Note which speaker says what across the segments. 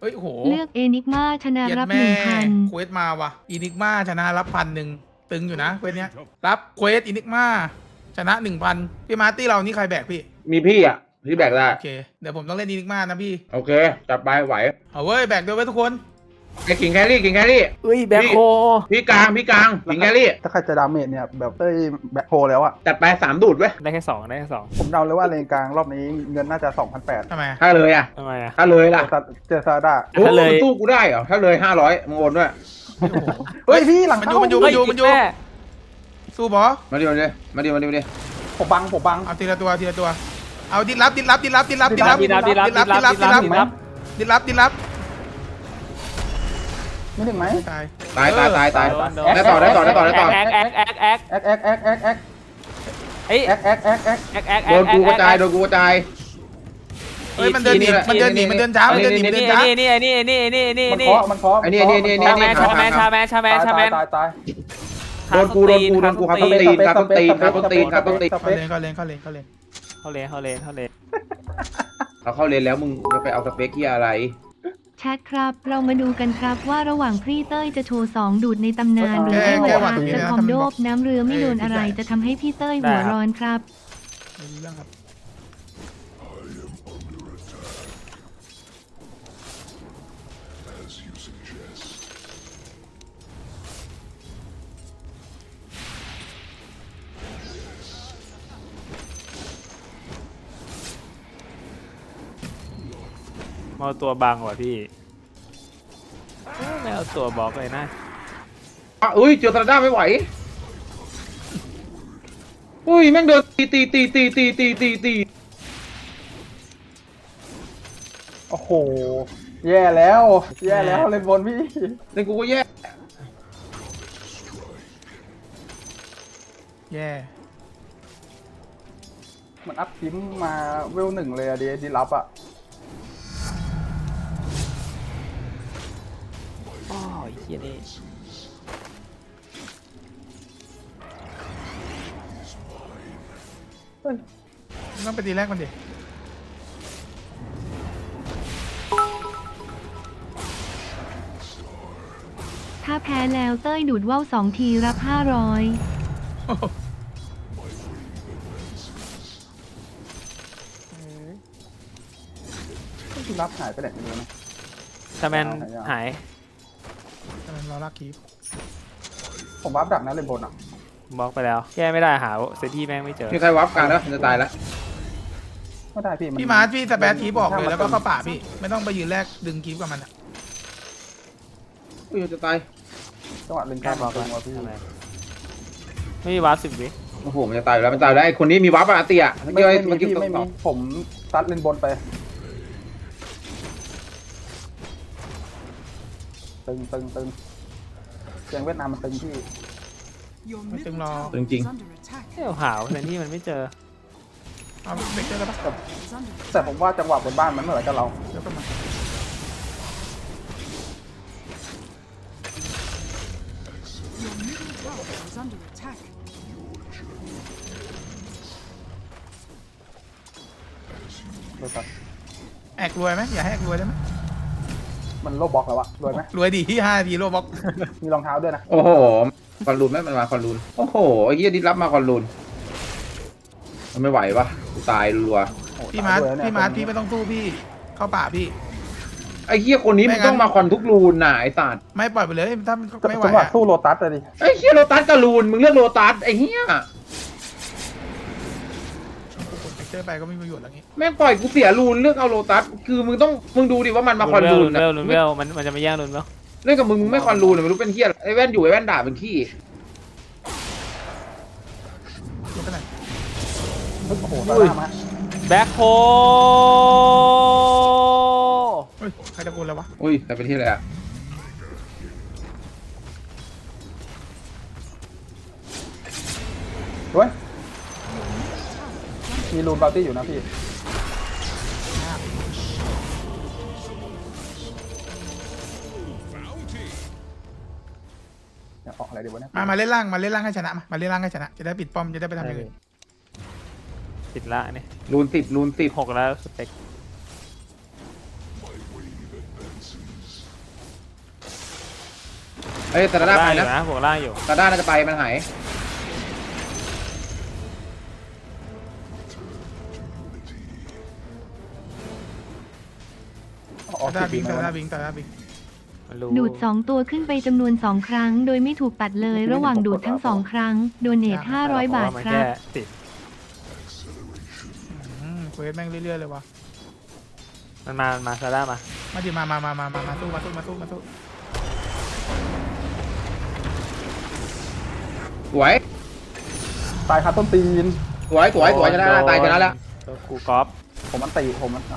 Speaker 1: ฮ้ยโห
Speaker 2: เลือกเอนิกมาชนะ
Speaker 1: เย็ด
Speaker 2: รับ
Speaker 1: แม่
Speaker 2: 1,000
Speaker 1: เควสมาว่ะอินิกมาชนะรับ1,000ตึงอยู่นะเควสเนี้ยรับเควสอินิกมาชนะ1,000พี่มาร์ตี้เรานี่ใครแบกพี่
Speaker 3: มีพี่อ่ะพี่แบกได้
Speaker 1: โอเคเดี๋ยวผมต้องเล่นอินิกมานะพี่
Speaker 3: โอเคจับไปไหว
Speaker 1: เอาเว้ยแบกด้วยเว้ยทุกคน
Speaker 3: ไอ้กิ่งแครี่กิ่งแครี่
Speaker 4: เฮ้ยแบ็คโฮ
Speaker 3: พี่กลางกิ่งแครี่
Speaker 5: ถ้าใครจะดาเมจเนี่ยแบบเต้ยแบ็คโฮแล้วอะ
Speaker 3: จัดไป3 ดูดเว้ย
Speaker 4: ได้แค่2ได้แค่2
Speaker 5: ผมเดาเลยว่าเลนกลางรอบนี้เงินน่าจะ 2,800
Speaker 1: ทำไม
Speaker 3: ถ้าเลยอ่ะ
Speaker 4: ทำไมอ่ะ
Speaker 3: ถ้าเลยล่ะ
Speaker 5: เจอซาด้า
Speaker 3: โอ้
Speaker 4: ถ้าเลย
Speaker 3: มันสู้กูได้เหรอถ้าเลย500มึงโอนด้วย
Speaker 1: โอ้โห
Speaker 5: เฮ้ยพี่หลัง
Speaker 1: มัน
Speaker 5: เข้า
Speaker 1: อยู่
Speaker 4: แม่
Speaker 1: สู้บอ
Speaker 3: มาดิมาดิ
Speaker 5: ผมบัง
Speaker 1: เอาทีละตัวเอาดิรับ
Speaker 4: ดีรับ
Speaker 5: ไม่ถึงไหม
Speaker 1: ตาย
Speaker 3: ตายได้ต่อ
Speaker 4: แอกเอ้ย
Speaker 5: แอก
Speaker 4: แอก
Speaker 3: โดนกูกระจาย
Speaker 1: เฮ้ยมันเดินหนีมันเดินช้า
Speaker 4: นี่
Speaker 5: มันเคาะ
Speaker 3: ไอ้นี่
Speaker 4: ชาแมน
Speaker 5: ตาย
Speaker 3: โดนกูครับต้นตีนครับ
Speaker 1: เข้าเลน
Speaker 4: เขา
Speaker 3: เข้าเลนแล้วมึงจะไปเอาสเปคที่อะไร
Speaker 2: แชทครับ เรามาดูกันครับว่าระหว่างพรีเต้ยจะโชว์2ดูดในตำนานหรือให้หัวอาจะคอมโดบน้ำเรือไม่โดนอะไรจะทำให้พี่เต้ยหัวร้อนครับ
Speaker 1: ไม่รู้เรื่องครับ
Speaker 4: มาตัวบังว่ะพี่ไม่เอาตัวบล็อกเลยนะ
Speaker 3: อุ้ยเจอตราด้าไม่ไหวอุ้ยแม่งเดินตี
Speaker 5: โอ้โหแย่แล้วเลนบนพี่
Speaker 3: เล่นกูก็แย่
Speaker 1: แย่
Speaker 5: มันอัพทิมมาเวล1เลยอะดีรับอะ
Speaker 4: อ๋อเฮียนี่
Speaker 1: ต้องไปตีแรกมันดิ
Speaker 2: ถ้าแพ้แล้วเต้ยดูดว่าว2 ทีรับ 500
Speaker 5: ดีรับหายไปไหนไม่รู้นะ
Speaker 4: ชาแมนหาย
Speaker 1: ทำไมเราลากคีบ
Speaker 5: ผมวับดักนะเลนบนอะ
Speaker 4: บล็อกไปแล้วแก้ไม่ได้หาเซตี้แม่งไม่เจอ
Speaker 3: มีใครวับกันแล้วจะตายแล้ว
Speaker 5: ไม่ได้พี่
Speaker 1: พี่มาร์ทพี่สแปซคีบบอกเลยแล้วก็เข้าป่าพี่ไม่ต้องไปยืนแรกดึงคีบกับมัน
Speaker 3: อุ้ยจะตาย
Speaker 5: จังหวะเลนก
Speaker 4: แก้
Speaker 5: ลาง
Speaker 4: บล็อก
Speaker 5: ตึ
Speaker 4: แล้ว
Speaker 5: งว่ะพี่
Speaker 4: ทำไมไม่มีวาร์ป10 วิ
Speaker 3: โอ้โหมันจะตายแล้วมันตายแล้วไอ้คนนี้มีวับอะเตียเมื่อ
Speaker 5: ไม่
Speaker 3: กี้
Speaker 5: มี
Speaker 3: เมื่อกี้
Speaker 5: พี่ไม่มีผมซัดเลนบนไปตึงเสียงเวียดนามมันตึงพี่
Speaker 1: ไม่ตึงรอ
Speaker 3: จริง
Speaker 4: เที่ยวหาวแต่ที่มันไม่เจอ
Speaker 1: เอาเบรกเจอแล้วปะ
Speaker 5: แต่ผมว่าจังหวะบนบ้านมันเหมือนกับเรา
Speaker 1: เดี๋ยวกันมา
Speaker 5: ดูครับ
Speaker 1: แอกรวยไหมอย่าให้แอกรวยได้ไหม
Speaker 5: มันโลบล็อกแล้วอะรวยไหม
Speaker 1: รวยดีที่5 นาทีโลบ็อก
Speaker 5: มีรองเท้าด้วยนะ
Speaker 3: โอ้โหคอนรูนไหมมันมาคอนรูนโอ้โหไอ้เหี้ยดิรับมาคอนรูนมันไม่ไหววะกูตายรัว
Speaker 5: โอ้
Speaker 1: พี่มาร์ท
Speaker 5: ตยด้วย
Speaker 1: พี่มาร์ทพี่ไม่ต้องสู้พี่เข้าป่าพี่
Speaker 3: ไอ้เหี้ยคนนี้มันต้องมาคอนทุกรูนน่ะไอ้สัตว์
Speaker 1: ไม่ปล่อยไปเลยถ้ามันไม่ไหว
Speaker 5: จังหวะ
Speaker 1: อะ
Speaker 5: สู้โลตัสเลยดิ
Speaker 3: ไอ้เหี้ยโลตัสกับรูนมึงเลือกโลตัสไอ้เหี้ย
Speaker 1: เบรกเจอไปก็ไม่มีประโยชน์แล้วงี้
Speaker 3: แม่งปล่อยกูเสียรูนเลือกเอาโลตัสคือมึงดูดิว่ามันมาคอนรูน
Speaker 4: ลุนเวลมันจะไม่แย่งลุนเวล
Speaker 3: เล่นกับมึงไม่คอนรูนไม่รู้เป็นเหี้ยไอ้แว่นอยู่ไอ้แว่นด่าเป็นขี้
Speaker 1: ยกกันไหน
Speaker 5: โอ้โหตาดามา
Speaker 4: แบ็คโฮ
Speaker 1: เฮ้ยใครตะโกนแล้ววะ
Speaker 3: อุ้ยแต่เป็นที่อะไรอะ
Speaker 5: เว้ยมีรูนบาร์ตี้อยู่นะพี่อยากออกอะไรดีวะเนี่ย
Speaker 1: มาเล่นล่างให้ชนะมาเล่นล่างให้ชนะจะได้ปิดป้อมจะได้ไปทำอย่างอื่น
Speaker 4: ติดละนี่
Speaker 3: รูน10
Speaker 4: 6แล้วสเปค
Speaker 3: เอ้ยแต่ละด้านไป
Speaker 4: อยู่
Speaker 3: นะ
Speaker 4: นะบวกล่างอยู่
Speaker 3: แต่ละด้านน่าจะไปมันหาย
Speaker 5: ออก
Speaker 1: ตา
Speaker 5: สิบ
Speaker 1: บิง
Speaker 5: ไหม
Speaker 1: ตาว
Speaker 5: ะ
Speaker 1: ตาบิงตาบิง
Speaker 4: มันรู้
Speaker 2: ดูด 2 ตัวขึ้นไปจำนวน 2 ครั้ง โดยไม่ถูกตัดเลย ระหว่างดูดทั้ง 2 ครั้ง โดเนท500 บาท
Speaker 4: เพะว่มัน
Speaker 2: ครั
Speaker 4: แค่
Speaker 2: บ
Speaker 4: ติด
Speaker 1: เควสแม่งเรื่อยๆเลยวะ
Speaker 4: มันมาซาร่ามา
Speaker 1: มาดิมาสู้
Speaker 3: สวย
Speaker 5: ตายคาต้นตีน
Speaker 3: สวยชนะตายชนะแล้ว
Speaker 4: ตัวกูกอล์ฟ
Speaker 5: ผมมันตีผมมันอ๋อ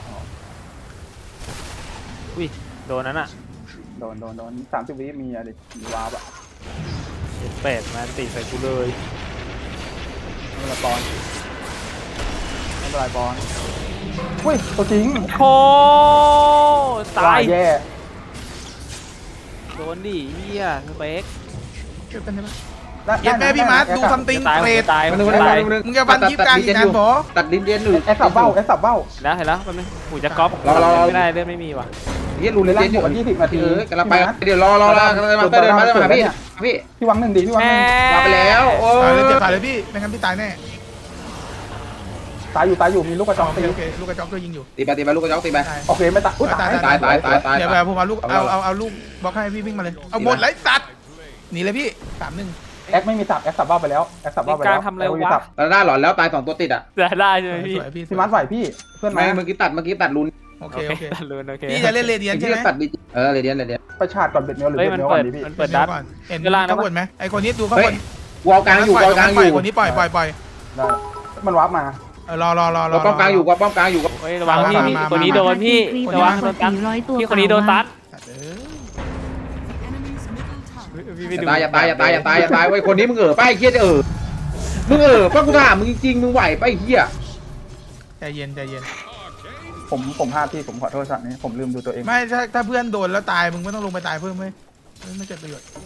Speaker 4: อุ้ยโดนนั้นอ่ะ
Speaker 5: โดน30 วิมีอะดิมีวาร์ปอะ
Speaker 4: เจ็ดเป็ดมาติดใส่กูเลย
Speaker 5: ไม่เป็นไรบอลไม่เป็นไรบอลอุ้ยตัวจริง
Speaker 4: โอ้ตาย
Speaker 5: แย่
Speaker 4: โดนดิเฮียสเปก
Speaker 1: เก็บกันได้ปะ
Speaker 5: ได้
Speaker 1: เก็บแม่พี่มาร์ทดู
Speaker 5: ได้
Speaker 1: ซัมติง
Speaker 4: ตาย
Speaker 1: เกรด
Speaker 4: ตาย
Speaker 3: มันนึง
Speaker 4: ตาย
Speaker 1: มึงจะฟันคลิปกลางอีกนานบอ
Speaker 3: ตัดดินเดียนอยู่
Speaker 5: แอคสับเบ้า
Speaker 4: แล้วเห็นแล้วมันหูจะก๊อป
Speaker 3: รอ
Speaker 4: ไม่ได้เลือดไม่มีว่ะ
Speaker 3: เฮียรูน
Speaker 5: เว
Speaker 3: เดี
Speaker 5: ลาย
Speaker 3: นอยู่
Speaker 5: บวก20 นาที
Speaker 3: กำลังไปเดี๋ยวรอกำลังมาเดินมาพี่
Speaker 5: พี่วังหนึ่งดิพี่วังหนึ่ง
Speaker 3: มาไปแล้วโอ้
Speaker 1: ตายเลยเจ็บขาดเลยพี่ไม่งั้นพี่ตายแน่
Speaker 5: ตายอยู่มีลูกกระจอก
Speaker 1: โอเค
Speaker 5: ตี
Speaker 1: โอเคลูกกระจอกก็ยิงอยู่
Speaker 3: ตีไปลูกกระจอกตีไป
Speaker 1: ตาย
Speaker 5: โอเคไม่ตายอุ้ยตาย
Speaker 3: ตาย
Speaker 1: เดี๋ยวแบบผมเอาลูกเอาลูกบล็อกให้พี่วิ่งมาเลยเอาหมดเลยสัตว์หนีเลยพี่3-1
Speaker 5: แอคไม่มีสับแอคสับเบ้าไปแล้วแอคสับเบ้าไปแล้ว
Speaker 4: การทำอะไรวะ
Speaker 3: แต่ด้านหลอนแล้วตาย2ตัวติดอ่ะ
Speaker 4: ได้ใช่ไหมพี่
Speaker 1: สวยพี่
Speaker 5: พี่มัดไหวพี่เพื่อน
Speaker 3: ไม่
Speaker 5: มา
Speaker 3: เมื่อกี้ตัดรูน
Speaker 1: โอ
Speaker 4: โอ
Speaker 1: เค
Speaker 4: เค
Speaker 1: โอเค
Speaker 4: ตัดลูนโอเค
Speaker 1: พี่จะเล่นเรเดียนใช่ไหม
Speaker 3: ตัดดิเรเดียน
Speaker 5: ไปชาร์จก่อนเบ็ดเมลหรือ
Speaker 4: เฮ้ย
Speaker 5: เบ็ด
Speaker 4: มัน
Speaker 5: เมลก่
Speaker 4: เปิ
Speaker 5: อ
Speaker 4: ด
Speaker 5: นดิพี่
Speaker 4: มันเปิด
Speaker 1: ดั
Speaker 4: ดั
Speaker 1: ด
Speaker 4: ด
Speaker 1: ก่อนเห็น
Speaker 4: เวลานะ
Speaker 1: ข้างบนไหมไอคนนี้ดูข้าง
Speaker 3: เฮ้
Speaker 1: บ
Speaker 3: ย
Speaker 1: น
Speaker 3: วอลกลางอยู่
Speaker 1: คนนี้ปล่อย
Speaker 5: ได้มันวาร์ปมา
Speaker 1: รอ
Speaker 3: ป้อมกลางอยู่ป้อมกลางอยู่
Speaker 4: เฮ้ยระวังพี่
Speaker 1: มา
Speaker 4: คนนี้โดนพี่
Speaker 2: มา
Speaker 4: ระวังโดนตัด
Speaker 2: 400 ตัว
Speaker 4: พี่คนนี้โดนตัด
Speaker 6: Enemy's middle tower
Speaker 4: พี่ไปดู
Speaker 3: อย่าตายไว้คนนี้มึงป้าไอ้เฮียจะมึงป้ากูถามมึงจริงมึงไหวป้าไอ้เฮีย
Speaker 1: ใจเย็น
Speaker 5: ผมพลาดที่ผมขอโทษสัตว์นี้ผมลืมดูตัวเอง
Speaker 1: ไม่ถ้าเพื่อนโดนแล้วตายมึงไม่ต้องลงไปตายเพิ่มไม่เกิดประโยชน์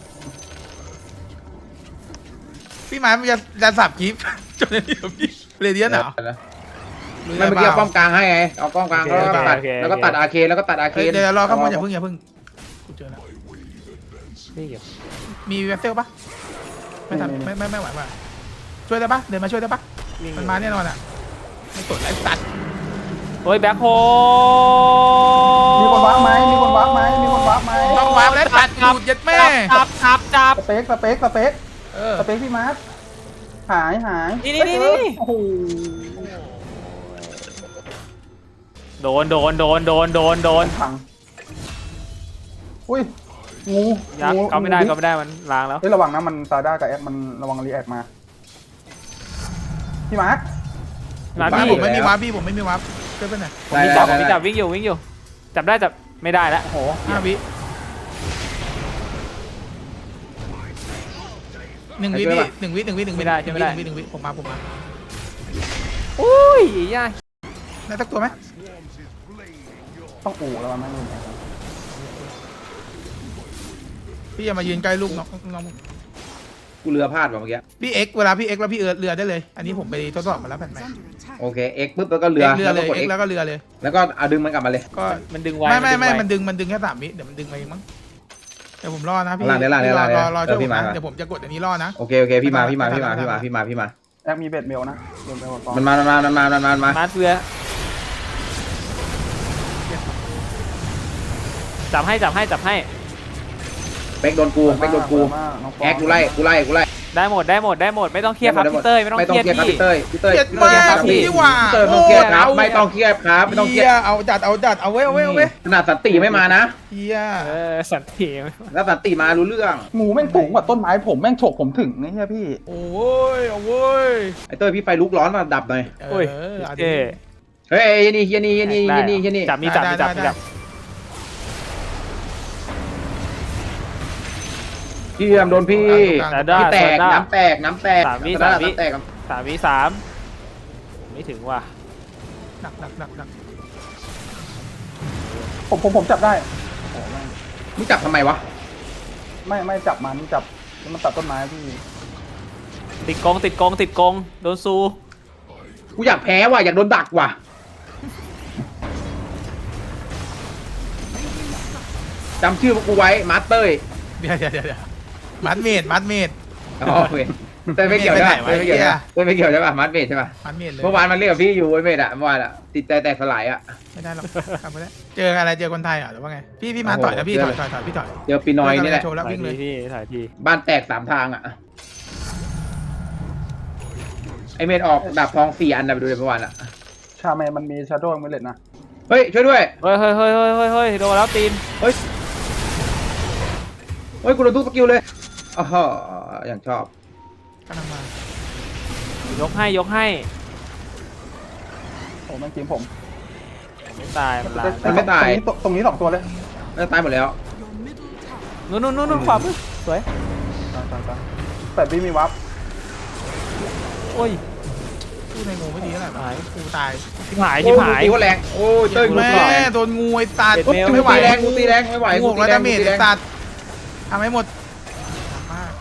Speaker 1: พี่หมายมันจะสับคลิปจนนี่พี่เรเดียนเหรอ
Speaker 3: ไม่เมื่อกี้ป้อมกลางให้ไงเอาป้อมกลางแล้วก็ตัดอาเคแล้วก็ตัดอาเค
Speaker 1: เดี๋ยวรอข้างบนอย่าเพิ่งกูเจอแล้ว
Speaker 4: นี่อยู่
Speaker 1: มีเวสเซลปะไม่ทำไม่ไหวป่ะช่วยได้ปะเดินมาช่วยได้ปะมันมาแน่นอนอ่ะไม่กดไลฟ์ตัด
Speaker 4: โอ้ยแบ็คโฮ
Speaker 5: มีคนวาร์ปไหม
Speaker 1: ต้องวางแล้วตัดดูดยัดแม่
Speaker 4: จับ
Speaker 5: สเปคพี่มาร์ทหาย
Speaker 4: นี่
Speaker 5: โอ้โห
Speaker 4: โดน
Speaker 5: พังอุ้ยงู
Speaker 4: ยักษ์ก็ไม่ได้มันล้างแล้ว
Speaker 5: เฮ้ยระวังนะมันซาด้ากับแอคมันระวังรีแอคมาพี่มาร์ท
Speaker 4: มา
Speaker 1: พี่
Speaker 4: พี่
Speaker 1: ผมไม่มีวาร์ปพี่ผมไม่มีวาร์ปช่วยไปหน่อย
Speaker 4: ผมมีจับวิ่งอยู่จับได้จับไม่ได้แล้ว
Speaker 5: โอ้โห
Speaker 1: 5 วิ1 วิพี่1 วิผมมา
Speaker 4: อุ้ยยาก
Speaker 1: ได้สักตัวไหม
Speaker 5: ต้องอู่แล้วมันไม่รู้
Speaker 1: พี่อย่ามายืนใกล้ลูกน้อง
Speaker 3: กูเรือพลาดว่ะเมื่อกี้
Speaker 1: พี่เอ็กเวลาพี่เอ็กแล้วพี่เรือได้เลย อันนี้ผมไปทดสอบมาแล้วแผ่นใหม่
Speaker 6: is under attack.
Speaker 3: โอเคเอ็กปุ๊บแล้วก็เรือ
Speaker 1: เรือเลย
Speaker 3: กด
Speaker 1: เอ็กแล้วก็เรือเลย
Speaker 3: แล้วก็เอาดึงมันกลับมาเลย
Speaker 1: ก็
Speaker 4: มันดึงไว้
Speaker 1: ไม่มันดึงแค่3 วิเดี๋ยวมันดึงไปเองมั้งเดี๋ยวผมรอนะพี่
Speaker 3: หลังเดี๋ยว
Speaker 1: รอช่วยผม
Speaker 3: พี่มา
Speaker 1: นะเดี๋ยวผมจะกดอันนี้รอนะ
Speaker 3: โอเคพี่มา
Speaker 5: แอคมีเบ็ดเมลนะเบ็ดเมลก่อน
Speaker 3: มันมา
Speaker 4: มาเฟือจับให้
Speaker 3: เป๊กโดนกูแอคกูไล่
Speaker 4: ได้หมดไม่ต้องเครียดครับพี่เต้ยไม่ต้องเครียด
Speaker 3: ครับ
Speaker 4: พี่
Speaker 3: พี่เต้ย
Speaker 1: เกลียดมากพี่ว่า
Speaker 3: เต้ยไม่ต้องเครียดครับไม่ต้องเครียดครับไม่ต้องเครียด
Speaker 1: เอาจัดเอาไว้
Speaker 3: ขนาดสันติไม่มานะ
Speaker 1: เฮีย
Speaker 4: สันติ
Speaker 3: แล้วสันติมารู้เรื่อง
Speaker 5: งูแม่งสูงกว่าต้นไม้ผมแม่งฉกผมถึงนี่ใช่พี่
Speaker 1: โอ้ยเอาเว้ย
Speaker 3: ไอ้เต้ยพี่ไฟลุกร้อนมาดับหน่อย
Speaker 4: โอ้ย
Speaker 1: เอา
Speaker 4: เจ๊
Speaker 1: ดิ
Speaker 3: เฮ้ยนี่
Speaker 4: จับมีจับ
Speaker 3: พี่โดนพี่ พี่แตกน้ำแตก
Speaker 4: 3 วิ ไม่ถึงว่ะ
Speaker 1: หนัก
Speaker 5: ผมจับได้
Speaker 3: มึงจับทำไมวะ
Speaker 5: ไม่จับมันจับมันตัดต้นไม้พี่
Speaker 4: ติดกงโดนซู
Speaker 3: กูอยากแพ้ว่ะอยากโดนดักว่ะจำชื่อพวกกูไว้มาสเตอร์
Speaker 1: เดี๋ยวมัดเมดมัดเมด
Speaker 3: อ๋อโอเคเต้ยไม่เกี่ยวใช่ปะ
Speaker 1: ไปไหนวะ
Speaker 3: เต้ยไม่เกี่ยวนะเต้ยไม่เกี่ยวใช่ปะมัดเมดใช่ปะ
Speaker 1: มัดเมดเลย
Speaker 3: เมื่อวานมันเรียกกับพี่อยู่ไอ้เมดอะเมื่อวานอะติดใจแตกสลายอะ
Speaker 1: ไม่ได้หรอกกลับไปแล้วเจออะไรเจอคนไทยเหรอหรือว่าไงพี่มาต่อยนะพี่ถอยพี่ถอย
Speaker 3: เจอปีนอยนี่แหละ
Speaker 1: โชว์แล้ว
Speaker 4: ถ่าย
Speaker 1: วิ่งเลย
Speaker 4: ทีพี่ถ่ายที
Speaker 3: บ้านแตก3 ทางอะไอเมดออกดาบทอง4 อันนะไปดูเลยเมื่อวานอะ
Speaker 5: ชาแมนมันมีชาโดว์มิเลตนะ
Speaker 3: เฮ้ยช่วยด้วย
Speaker 4: เฮ้ยเฮ้ยเฮ้ยเฮ้ยเฮ้ยเฮ้ยโดนแล้วตีน
Speaker 3: เฮ้ยกูโดนทุกสกิลเลยอ๋ออย่างชอบ
Speaker 1: กำลังมาย
Speaker 4: กให้ยกให้
Speaker 5: โอ้แม่งจิ้มผม
Speaker 4: ไม่ตายมันลา
Speaker 3: มันไม่ตาย
Speaker 5: ตรงนี้2 ตัวเลย
Speaker 3: มันตายหมดแล้ว
Speaker 4: นู่นนู่นนู่นขวามือสวย
Speaker 5: ตายแต่บีมีวับ
Speaker 4: โอ้ย
Speaker 1: พูดในงูไม่ดีเท่าไหร่
Speaker 4: หาย
Speaker 1: กูตาย
Speaker 4: ชิบหาย
Speaker 3: โอ้
Speaker 4: ชิ
Speaker 3: ย
Speaker 4: บหาย
Speaker 3: ตีว่าแรงโอ้ยเต้ยกู
Speaker 1: แม่
Speaker 3: ตีแรง
Speaker 1: โดนงูไอ้ตา
Speaker 4: เจ็ด
Speaker 1: ปุ๊บ
Speaker 4: เมตร
Speaker 1: จะ
Speaker 3: กู
Speaker 1: ไม่ไหว
Speaker 3: ตีแรงกูตีแรงไม่ไหว
Speaker 1: งู
Speaker 3: กู
Speaker 1: หก
Speaker 3: ตี
Speaker 1: แล้ว
Speaker 3: แร
Speaker 1: ดาง เมจ
Speaker 3: กูตีแร
Speaker 1: ไอ้
Speaker 3: ง
Speaker 1: ตัดทำให้หมดมาก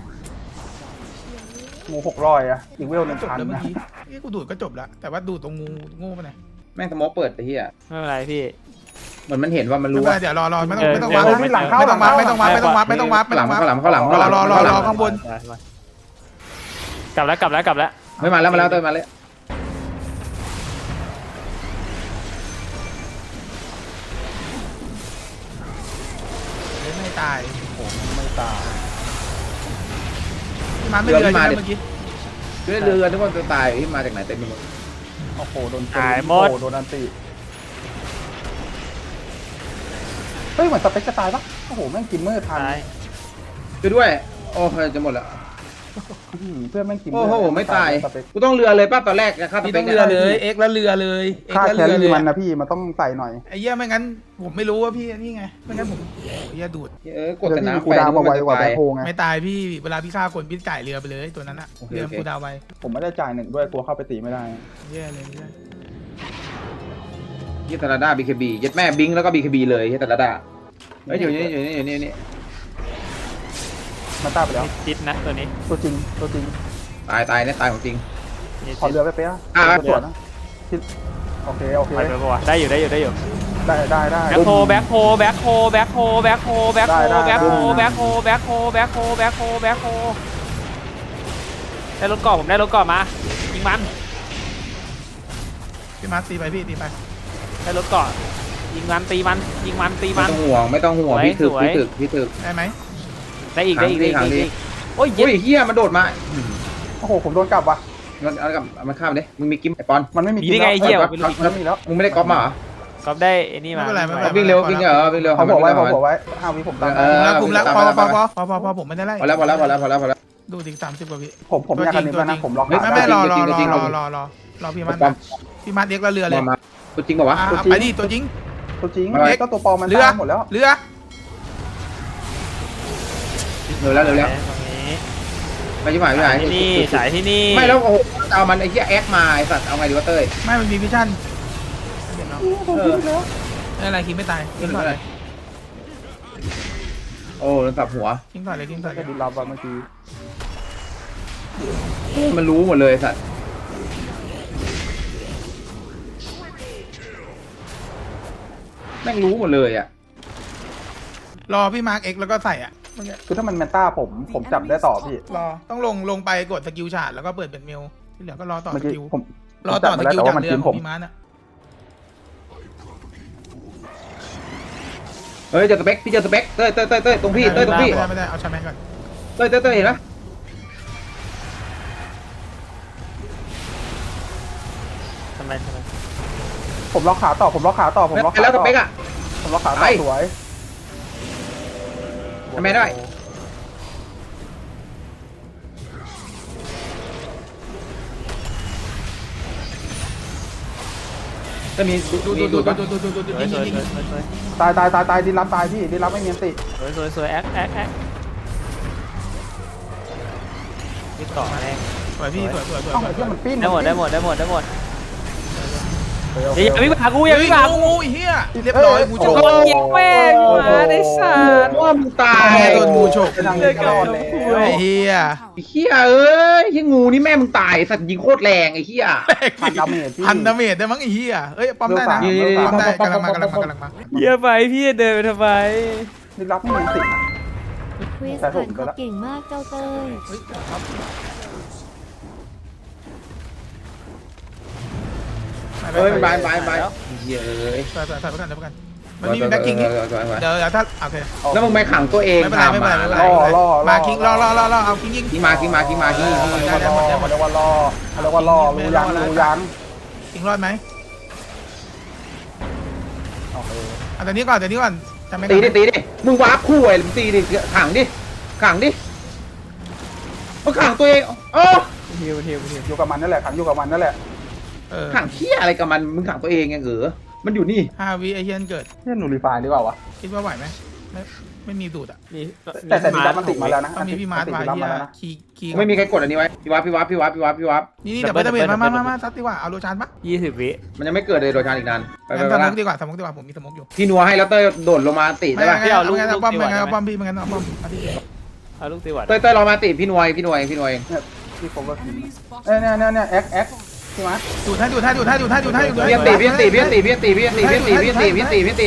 Speaker 5: งู600อะอีกเวล
Speaker 1: จบแล้ว
Speaker 5: 1,000
Speaker 1: เมื่อ
Speaker 5: นะ
Speaker 1: กี้นี่กูดูดก็จบแล้วแต่ว่าดูดตรงงูโง่ไปไหน
Speaker 3: แม่งสโมอเปิดไอ้เหี้ย
Speaker 4: ไม่เป็นไรพี่
Speaker 3: เหมือนมันเห็นว่ามัน
Speaker 1: ไม่
Speaker 3: รู้
Speaker 1: เป็นไร
Speaker 3: ว่า
Speaker 1: เดี๋ยวรอไม่ต้อง
Speaker 4: เออ
Speaker 1: ไม่ต้อง
Speaker 4: เออ
Speaker 1: วับ
Speaker 5: ไม่หลังเข้า
Speaker 1: ไม่ต้องวับไม่ต้องวับไม่ต้องวับไม่ต้องวับไม่ต้องวับ
Speaker 3: ข้างหลังข้างหลัง
Speaker 1: รอข้างบน
Speaker 4: กลับแล้วกลับแล้วกลับแล้ว
Speaker 3: ไม่มาแล้วมาแล้วเต้ยมาแล้ว
Speaker 1: ไม่ตาย
Speaker 5: ไม่ตาย
Speaker 1: พี่มาไม่เรือใช่ไหมเมื่อกี้
Speaker 3: ช่วยเรือนึกว่าจะตายที่มาจากไหนเต็มไปหมด
Speaker 5: โอ้โหโดน
Speaker 4: หายหมด
Speaker 5: โอ้โดนอันตีเฮ้ยเหมือนสเปคจะตายปะโอ้โหแม่งกินเมื่อทัน
Speaker 4: ตาย
Speaker 3: ช่วยด้วยโอ้ยจะหมดแล้ว
Speaker 5: เพื่อนแม่งกิน
Speaker 3: โอ้โหไม่ตาย
Speaker 5: สเปค
Speaker 3: กูต้องเรือเลยป้าตอนแรกค่าส
Speaker 1: พี่
Speaker 3: เป
Speaker 1: ต้
Speaker 3: ค
Speaker 1: องเรือเลยเอ็กแล้วเรือเลยเอ็ก
Speaker 5: ค่า
Speaker 1: แล้ว
Speaker 5: แค
Speaker 1: เรือ
Speaker 5: รี่
Speaker 1: เลย
Speaker 5: มันนะพี่มันต้องใส่หน่อย
Speaker 1: ไอ้เหี้ยไม่งั้นผมไม่รู้ว่าพี่นี่ไงไม่งั้นผมโอ้ยดูด
Speaker 3: กดแต่น้ำ
Speaker 5: กูดาวมาไวกว่าแบ็คโฮไง
Speaker 1: ไม่ตายพี่เวลาพี่ฆ่าคนพี่จ่ายเรือไปเลยตัวนั้นอะเรือกูดาวไว้
Speaker 5: ผมไม่ได้จ่าย1ด้วยกลัวเข้าไปตีไม่ได้
Speaker 1: แย่เลยเนี่ย
Speaker 3: ยี่ตาลาดาบีเคบียัดแม่บิงแล้วก็บีเคบีเลยยี่ตาลาดาเฮ้ยอยู่นี่
Speaker 5: มาต้าไปแล้ว
Speaker 4: จิตนะตัวนี้
Speaker 5: ตัวจริง
Speaker 3: ตายเนี่ยตายของจริง
Speaker 4: นี่
Speaker 5: ขอเรือไปเป๊ะ
Speaker 3: อ่ะ
Speaker 5: สวนนะคิดโอเค
Speaker 4: ไปไปปะวะได้อยู่ได้อยู่ได้อยู่
Speaker 5: ได้
Speaker 4: แบ็คโฮแบ็คโฮแบ็คโฮแบ็คโฮแบ็คโฮแบ็คโฮแบ็คโฮแบ็คโฮแบ็คโฮแบ็คโฮแบ็คโฮแบ็คโฮได้รถเกาะผมได้รถเกาะมายิงมัน
Speaker 1: พี่มาตีไปพี่ตีไป
Speaker 4: ได้รถเกาะยิงมันตีมันยิงมันตี
Speaker 3: ไม่
Speaker 4: มัน
Speaker 3: ต้องห่วงไม่ต้องห่วง
Speaker 4: สวย
Speaker 3: พี่ถึก
Speaker 4: สวย
Speaker 3: พี่ถึก
Speaker 1: ได้ไหม
Speaker 4: ได้อีกได้อีกได้อีก
Speaker 3: ขังดิ
Speaker 4: ได้อีกโอ้ย
Speaker 3: โอ้ยเฮียมันโดดมา
Speaker 5: โอ้โหผมโดนกลับว่ะ
Speaker 3: มันเอากับมันข้ามดิมึงมีกิมไอปอน
Speaker 5: มันไม่มี
Speaker 4: มีได้ไงเหี้ย
Speaker 5: มันมีแล้ว
Speaker 3: มึงไม่ได้ก๊อปมาเหรอ
Speaker 4: ก็ได้ไอ้นี่มา
Speaker 3: วิ่งเร็ววิ่งเร็ว
Speaker 5: เขาบอกไว้5 วิผมตาม
Speaker 1: คุมแล้วพอผมไม่ได้ไล่
Speaker 3: พอแล้ว
Speaker 1: ดูอีก30กว่าวิ
Speaker 5: ผมอยากกันนี้ด้วยนะผมล็อก
Speaker 1: ไม่รอพี่มันพี่มันเอ็กแล้วเรือเลย
Speaker 3: มาตัวจริงป่าวะ
Speaker 1: ไปดิตัวจริง
Speaker 5: ตัวจริงก็ตัวปลอมมัน
Speaker 1: เรือ
Speaker 5: ตายหมดแล้ว
Speaker 1: เรือ
Speaker 3: เร็วแล้ว
Speaker 4: ตรงนี้
Speaker 3: ไปที่หมายพี่หมาย
Speaker 4: ที่นี่สายที่นี่
Speaker 3: ไม่แล้วโอ้โหเอามันไอ้เหี้ยแอคมาไอ้สัตว์เอาไงดีวะเต้ย
Speaker 1: ไม่มันมีวิชั่นเห็นเนาะ
Speaker 5: ผมคิดแล้ว
Speaker 1: อะไรคิงไม่ตายคิงต่อเลย
Speaker 3: โอ้โดนสับหัว
Speaker 1: คิงต่อเลยคิงต่อเล
Speaker 5: แค่
Speaker 1: ย
Speaker 5: ดูรับว่าเมื่อกี้
Speaker 3: มันรู้หมดเลยไอ้สัตว์แม่งรู้หมดเลยอ่ะ
Speaker 1: รอพี่มาร์กเอ็กแล้วก็ใส่อ่ะ
Speaker 5: คือถ้ามันแมนต้าผมจับได้ต่อพี่
Speaker 1: รอต้องลงไปกดสกิลชาร์จแล้วก็เปิดเป็นเมลที่เหลือก็รอต่อ
Speaker 5: เมื่อ
Speaker 1: ส
Speaker 5: กี้
Speaker 1: กิล
Speaker 5: ผม
Speaker 1: รอต่อสกิล
Speaker 5: แต่
Speaker 1: จาก
Speaker 5: ว่ามัน
Speaker 1: เรือ
Speaker 5: กิน
Speaker 1: ข
Speaker 5: ผ
Speaker 1: อง
Speaker 5: ม
Speaker 1: พี่มาร์กอ่ะ
Speaker 3: เฮ้ยเจอสเปคพี่เจอสเปคเต้ยตรงพี่เต้ยตรงพี่
Speaker 1: ไม่ได้เอาชาแมนก่อน
Speaker 3: เต้ยเห็นไหม
Speaker 4: ทำไม
Speaker 5: ผมล็อกขาต่อผมล็อกขาต่อ
Speaker 3: แล้วสเปคอ่ะ
Speaker 5: ผมล็อกขาต่อสวย
Speaker 3: ทำไมได้จะมี
Speaker 1: ดู
Speaker 3: ยิง
Speaker 5: ตายดินรับตายพี่ดินรับไม่มีอันติ
Speaker 4: สวยแอคที่เกาะแรง
Speaker 1: สวยพี่สวย
Speaker 5: เอ้าไอ้เหี้ยมันปิ้น
Speaker 4: ได้หมดอย่าวิ่งมาหากู
Speaker 1: เฮ้
Speaker 4: อย่าย วิ่งมาหากู
Speaker 1: งูเฮียเรียบร้อยงูโฉก
Speaker 4: โอ้ยแม่งมาได้สัตว์
Speaker 3: ว่ามึงตาย
Speaker 1: โดนงูโฉก
Speaker 5: เป็นทางเดินรอดแล้ว
Speaker 1: ไอ้เฮีย
Speaker 3: ไอ้เหี้ยเอ้ยไอ้งูนี่แม่มึงตายสัตว์ยิงโคตรแรงไอ้เหี้ย
Speaker 5: พันดาเมจพี่
Speaker 1: พันดาเมจได้มั้งไอ้เฮียเอ้ยปั๊มได้นะปั๊มได้กำลังมา
Speaker 4: เยี่ยไปพี่เดินไปทำไม
Speaker 5: ดินรับไม่มีอันติ
Speaker 2: คริสผ่านเขาเก่งมากเจ้าเต้ย
Speaker 1: เฮ้ยครับ
Speaker 3: เฮ้ยบายบายบายเย้ย
Speaker 1: ใส่ประกันมันมีแบ็คคิงเดี๋ยวถ้าโอเค
Speaker 3: แล้วมึงไม่ขังตัวเอง
Speaker 1: ไม่เป็นไรไม่เป็นไรไม่เป็นไร มาคิงรอเอาคิงยิง
Speaker 3: คิงมาคิงมา
Speaker 5: เขาเรียกว่าล่อรู้ยัง
Speaker 1: คิงรอดไหม
Speaker 5: โอเค
Speaker 1: เอาแต่นี้ก่อนจะไม่
Speaker 3: ตีดิมึงวาร์ปคู่ไอ้มึงตีดิขังดิมึงขังตัวเองโอ้
Speaker 5: ฮิวอยู่กับมันนั่นแหละขังอยู่กับมันนั่นแหละ
Speaker 3: ขังเที่ยอะไรกับมันมึงขังตัวเองไงมันอยู่นี่
Speaker 1: 5 วิไอเฮียนเกิด
Speaker 5: นี่หนูรีไฟล์ดีกว่าวะ
Speaker 1: คิดว่าไหวไหมไม่มีดูดอ่ะ
Speaker 4: มี
Speaker 5: แต่ดีดับมันติดมาแล้วนะ
Speaker 1: ต้องมีพี่มาร์ทไว้เฮียคี
Speaker 3: ไม่มีใครกดอันนี้ไว้พี่วับ
Speaker 1: นี่เดี๋ยวไปมาซัดดีกว่าเอาโลชานปะ
Speaker 4: 20 วิ
Speaker 3: มันยังไม่เกิดเลยโดยชานอีกนานไป
Speaker 1: งั้น
Speaker 3: ไป
Speaker 1: สม
Speaker 3: ละ
Speaker 1: กดีกว่าผมมีสมกอยู่
Speaker 3: พี่นัวให้แล้วเต้ยโดดลงมาติได้ป่ะ
Speaker 1: ไม่เอาป้อมพี่ไม่งั้นเอาป้อม
Speaker 4: เอาลูกตีวัด
Speaker 3: เต้ยรอมาติพี่นัวเอง
Speaker 5: ที่ผมก็เนี่ยแอ็กใช่ไหม
Speaker 1: ดูดให้
Speaker 3: พี่ตี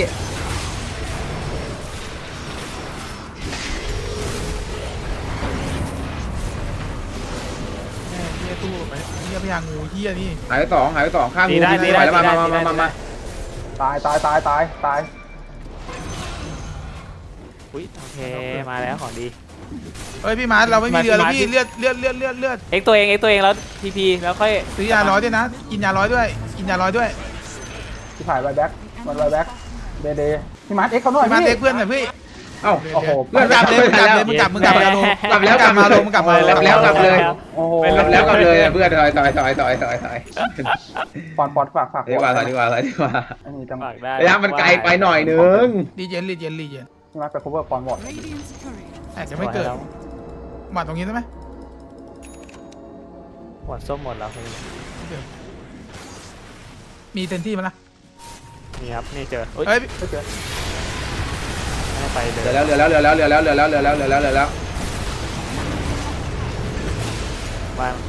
Speaker 1: เฮียตู้ไปเฮียพยางูเฮียนี่
Speaker 3: หายไปสองข้างงูพี่ไหวแล้วมา
Speaker 5: ตาย
Speaker 4: อุ้ยโอเคมาแล้วของดี
Speaker 1: เฮ้ยพี่มาร์ทเราไม่มีเรือแล้วพี่เลือด
Speaker 4: เอ็กตัวเองแล้วทีพีแล้วค่อย
Speaker 1: ซื้อยา100ด้วยนะกินยา100ด้วย
Speaker 5: ที่ถ่ายไวแบ็กเดพี่มาร์ทเอ็กเขาหน่อย
Speaker 1: พี่มาร์ทเด็กเพื่อนหน่อยพี่
Speaker 3: เอ้า
Speaker 5: โอ้โห
Speaker 1: มึงกลับเลยมึงกลับมาลง
Speaker 3: กลับเลย
Speaker 5: โอ้โห
Speaker 3: แล้วกลับเลยเพื่อนถอย
Speaker 5: ปอนฝาก
Speaker 3: ดีกว่า
Speaker 5: อันนี้จัง
Speaker 4: ฝากได้
Speaker 3: ระยะมันไกลไปหน่อยนึง
Speaker 1: รีเจน
Speaker 5: พี่มาร์ทไป cover ปอนบอด
Speaker 1: อาจจะไม่เกิดมาตรงนี้ได้ไหม
Speaker 4: หมดส้มหมดแล้ว
Speaker 1: มีเต็มที่มั้ยล่ะ
Speaker 4: นี่ครับนี่เจอ
Speaker 1: เฮ้ย
Speaker 5: ไม่เจอ
Speaker 4: ไม่ไปเลย
Speaker 3: เหลือแล้ว
Speaker 4: วาง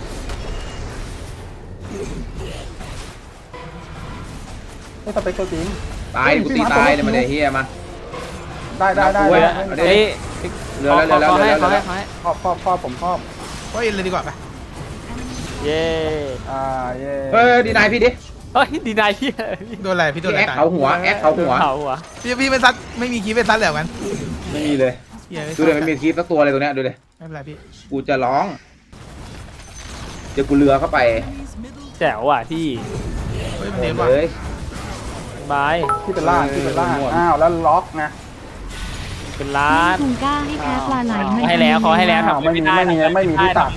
Speaker 5: ไม่สเปคตัวจริง
Speaker 3: ตายกูตีตายเลยมาเดี๋ยวเฮียมา
Speaker 5: ได้
Speaker 4: เอ้ย
Speaker 3: เหลือแล้ว
Speaker 4: ให้
Speaker 5: ครอบผมครอบ
Speaker 1: ก็เอ็นเลยดีกว่าไป
Speaker 4: เย่
Speaker 5: เย่
Speaker 3: เฮ้ยดีนายพี่ดิ
Speaker 4: เฮ้ยดีนายพี่
Speaker 1: โดนอะไรพี่โดนอะไร
Speaker 3: แอค
Speaker 1: ตาย
Speaker 3: เขาหัว
Speaker 1: พี่ไม่ซัดไม่มีคีเป็นซัดแล้วกัน
Speaker 3: ไม่มีเลยดูเลยไม่มีคลิปสักตัวเลยตัวเนี้ยดูเลย
Speaker 1: ไม่เป็นไรพี่
Speaker 3: กูจะร้องเดี๋ยวกูเรือเข้าไป
Speaker 4: แจ๋วอ่ะที่
Speaker 1: เฮ้ยมันเดฟว่ะ
Speaker 3: เลย
Speaker 4: บาย
Speaker 5: ที่เป็นล่างอ้าวแล้วล็อกนะ
Speaker 4: เป็นล้าน
Speaker 2: ทุงก้าให้แพ้ปลาไหล
Speaker 4: ให้แล้วเขาให้แล้ว
Speaker 5: ไม่มีที่ตัด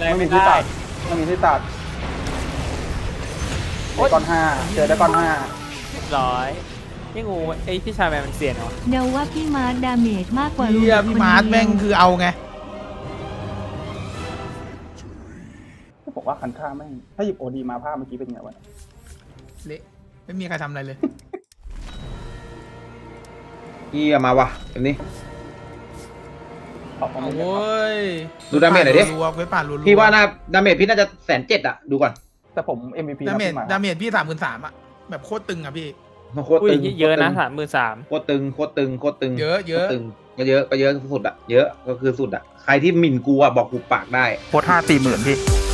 Speaker 5: ก้อน5เจอได้ก้อน5
Speaker 4: ร้อยนี่งูไอ้พี่ชายแมนมันเสียนเหรอ
Speaker 2: เดาว่าพี่มาร์ทดาเมจมากกว่า
Speaker 1: เฮียพี่มาร์ทแม่งคือเอาไง
Speaker 5: บอกว่าคันท่าไม่ถ้าหยิบโอดีมาภาพเมื่อกี้เป็นไงวะ
Speaker 1: เละไม่มีใครทำอะไรเลย
Speaker 3: เฮียมาว่ะแบบนี้
Speaker 1: โอ้ย
Speaker 3: ดูดาเมจหน่อยดิ
Speaker 1: รัวเว้ยป่ารัว
Speaker 3: พี่ว่าน่าดาเมจพี่น่าจะ170,000อ่ะดูก่อน
Speaker 5: แต่ผม MVP
Speaker 1: ดาเมจพี่33,000อ่ะแบบโคตรตึงอ่ะพี่
Speaker 3: โคตร
Speaker 4: อุ้ย
Speaker 3: ตึง
Speaker 4: เยอะนะ33,000
Speaker 3: โคตรตึง
Speaker 1: เยอะ
Speaker 3: ตึงก็เยอะสุดอ่ะเยอะก็คือสุดอ่ะใครที่หมิ่นกูอ่ะบอกกูปากได้
Speaker 5: โคตร5-4 หมื่นพี่